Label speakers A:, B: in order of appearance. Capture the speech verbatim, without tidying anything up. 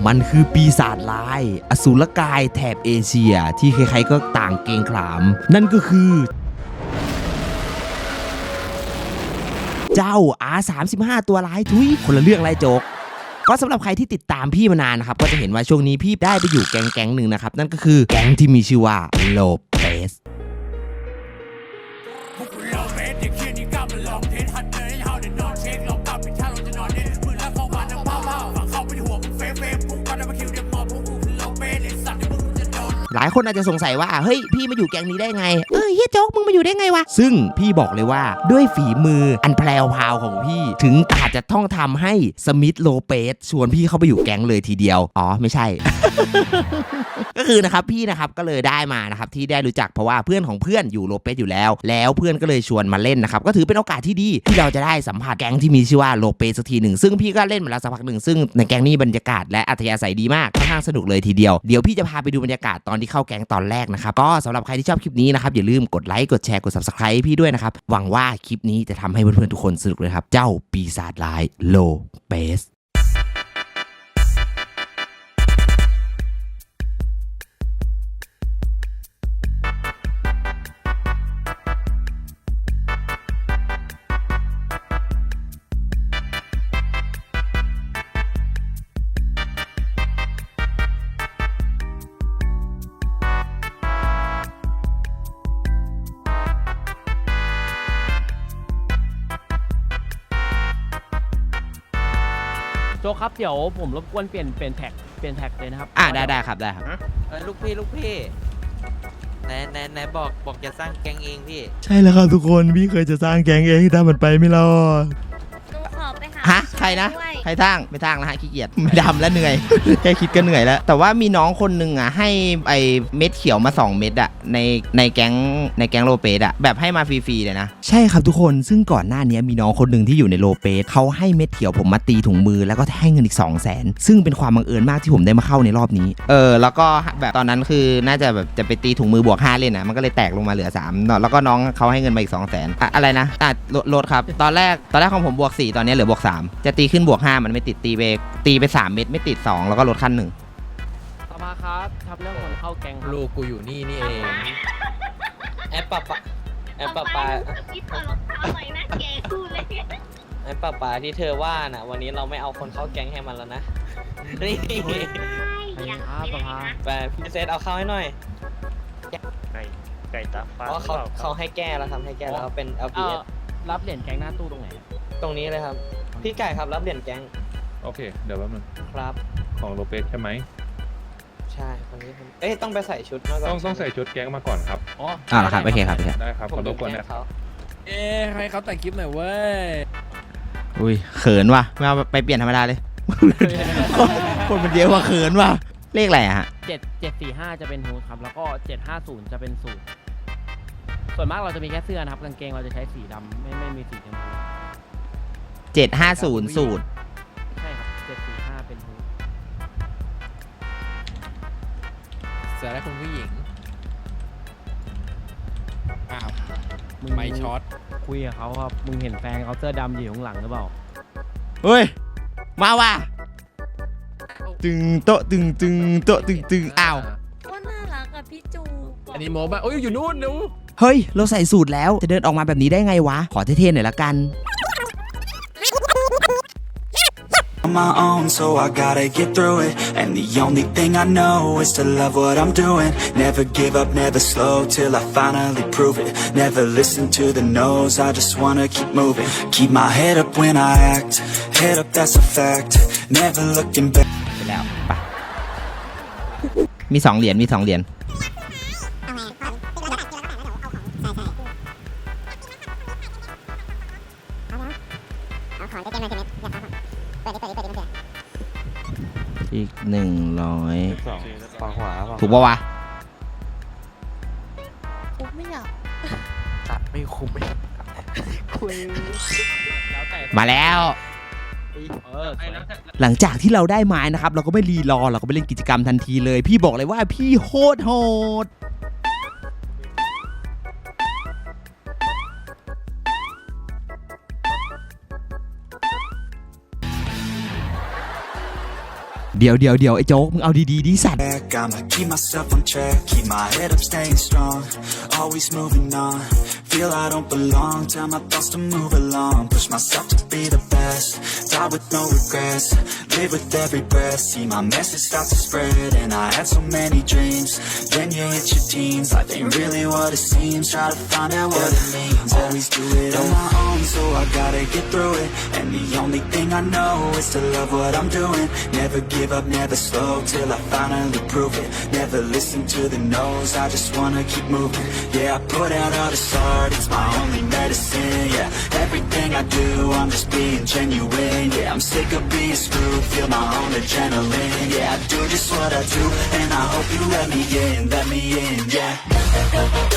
A: มันคือปีศาจร้ายอสูรกายแถบเอเชียที่ใครๆก็ต่างเกรงขามนั่นก็คือเจ้า อาร์ สามสิบห้า ตัวร้ายทุยคนละเรื่องไรโจ๊กก็สำหรับใครที่ติดตามพี่มานานนะครับก็จะเห็นว่าช่วงนี้พี่ได้ไปอยู่แก๊งแก๊งหนึ่งนะครับนั่นก็คือแก๊งที่มีชื่อว่าโลเปสหลายคนอาจจะสงสัยว่าเฮ้ยพี่มาอยู่แก๊งนี้ได้ไงเออเฮียโจ๊กมึงมาอยู่ได้ไงวะซึ่งพี่บอกเลยว่าด้วยฝีมืออันแพรวพราวของพี่ถึงอาจจะต้องทำให้สมิธโลเปสชวนพี่เข้าไปอยู่แก๊งเลยทีเดียวอ๋อไม่ใช่ ก็คือนะครับพี่นะครับก็เลยได้มานะครับที่ได้รู้จักเพราะว่าเพื่อนของเพื่อนอยู่โลเปสอยู่แล้วแล้วเพื่อนก็เลยชวนมาเล่นนะครับก็ถือเป็นโอกาสที่ดีที่เราจะได้สัมผัสแก๊งที่มีชื่อว่าโลเปสสักทีหนึ่งซึ่งพี่ก็เล่นมาแล้วสักพักหนึ่งซึ่งในแก๊งนี้บรรยากาศและอัธยาศัยดีมากค่อนข้างสนุกเลยทีเดียวเดี๋ยวพี่จะพาไปดูบรรยากาศตอนที่เข้าแก๊งตอนแรกนะครับก็สำหรับใครที่ชอบคลิปนี้นะครับอย่าลืมกดไลค์กดแชร์กด ซับสไครบ์ ให้พี่ด้วยนะครับหวังว่าคลิปนี้จะทำให้เพื่อนๆทุกคนสนุกเลยครับเจ้าปีศาจร้ายโลเปส
B: โจ๊กครับเดี๋ยวผมรบกวนเปลี่ยนเปลี่ยนแท็กเปลี่ยนแท็กเลยนะครับ
A: อ่าได้ได้ครับได้ครับ
C: เออลูกพี่ลูกพี่ไหนไหนไหนบอกบอกจะสร้างแก๊งเองพี่
A: ใช่แล้วครับทุกคนพี่เคยจะสร้างแก๊งเองแต่มันไปไม่รอด
D: ดูขอไปหา
A: ฮะใครนะใครสร้างไม่สร้างแล้วฮะขี้เกียจไม่ดำแล้วเหนื่อย แค่คิดก็เหนื่อยแล้วแต่ว่ามีน้องคนหนึ่งอ่ะให้ไอเม็ดเขียวมาสองเม็ดอ่ะในในแก๊งในแก๊งโลเปสอ่ะแบบให้มาฟรีๆเลยนะใช่ครับทุกคนซึ่งก่อนหน้านี้มีน้องคนหนึ่งที่อยู่ในโลเปสเขาให้เม็ดเขียวผมมาตีถุงมือแล้วก็ให้เงินอีก สองแสน ซึ่งเป็นความบังเอิญมากที่ผมได้มาเข้าในรอบนี้เออแล้วก็แบบตอนนั้นคือน่าจะแบบจะไปตีถุงมือบวกห้าเล่นนะมันก็เลยแตกลงมาเหลือสามแล้วก็น้องเขาให้เงินมาอีก สองแสน อะอะไรนะอ่ะลดครับตอนแรกตอนแรกของผมบวกสี่ตอนนี้เหลือบวกสามจะตีขึ้นบวกห้ามันไม่ติดตีไปตีไปสามเม็ดไม่ติดสองแล้วก็ลดขั้นหนึ่ง
B: สภาครับทำเรื่องคนเข้าแก๊ง
C: ลูกกูอยู่นี่นี่เองแอปปะปะแอปปะปะ
D: ที่ถอดรองเท้าใหม่นะแกกูเลย
C: แอปปะปะที่เธอว่าน่ะวันนี้เราไม่เอาคนเข้าแก๊งให้มันแล้วนะนี่
B: ครับสภา
C: ไปพี่เซตเอาเข้าให้หน่อย
E: ไก่ไก่ตาฟ้า
C: เพราะเขาเขาให้แก้แล้วครับให้แก้แล้วเป็น แอล พี เอส
B: รับเหรียญแก๊งหน้าตู้ตรงไหน
C: ตรงนี้เลยครับพี่ไก่ครับรับเหรียญแก๊ง
E: โอเคเดี๋ยวแป๊บนึง
C: ครับ
E: ของโลเปสใช่ไหม
C: ใช่คนนี้เอ๊ะต้องไปใส่ชุดมาก่อน
E: ต้องต้องใส่ชุดแก๊งมาก่อนครับ
B: อ๋อ
A: อ่าครับโอเคครับ
E: ได้ครับขอรบกวนนะ
B: เอ๊ะให้เขาแต่งคลิปหน่อยเว้ย
A: อุ้ยเขินว่ะไม่เอาไปเปลี่ยนธรรมดาเลยคนมันเยอะว่าเขินว่ะเลขอะไรอะฮะ
B: เจ็ดเจ็ดสี่ห้าจะเป็นฮูดครับแล้วก็เจ็ดห้าศูนย์จะเป็นสูทส่วนมากเราจะมีแค่เสื้อนะครับกางเกงเราจะใช้สีดำไม่ไม่มีสีชมพู
A: เจ็ดห้าศูนย์สูตร
B: ใช่ครับเจ็ดสี่ห้าเป็นฮูด
C: เสื้อและคุณผู้หญิง
B: อ้าวมึงไม่ช็อตคุยกับเขาครับมึงเห็นแฟนเขาเสื้อดำอยู่ข้างหลังหรือเปล่า
A: เฮ้ยมาว่ะตึงโตตึงตึงโตตึงตึงอ้าว
D: ว่าน่ารักอะพี่จู
B: อันนี้โมบ้าโอ้ยอยู่นู่นนู
A: เฮ้ยเราใส่สูตรแล้วจะเดินออกมาแบบนี้ได้ไงวะขอเท่ๆหน่อยละกัน
F: On my own, so I gotta get through it. And the only thing I know is to love what I'm doing. Never give up, never slow till I finally prove it. Never listen to the no's, I just wanna keep moving. Keep my head up when I act, head up that's a fact. Never looking back.
A: ไปแล้วไปมีสองเหรียญมีสองเหรียญอีกหนึ่งร้อยถูกป่าวะ
D: คุ้มไม่อยาก
C: ตัดไม่คุ้มไม่
D: คุย
A: มาแล้วหลังจากที่เราได้ไม้นะครับเราก็ไม่รีรอเราก็ไปเล่นกิจกรรมทันทีเลยพี่บอกเลยว่าพี่โคตรโหดเดี๋ยวเดี๋ยวเดี๋ยวไอ้โจ๊กมึงเอาดีๆดิสัตว์
F: back. I'ma keep myself on track, keep my head up, staying strong. Always moving on, feel I don't belong. Tell my thoughts to move along, push myself to be the best. Die with no regrets, live with every breath. See my message start to spread, and I had so many dreams. Then you hit your teens, life ain't really what it seems. Try to find out what it means. Always do it on my own, so I gotta get through it. And the only thing I know is to love what I'm doing. Never give up, never slow, till I finally prove it. Never listen to the no's, I just wanna keep moving. Yeah, I put out all this art, it's my only medicine. Yeah, everything I do, I'm just being genuine. Yeah, I'm sick of being screwed, feel my own adrenaline. Yeah, I do just what I do, and I hope you let me in, let me in, yeah.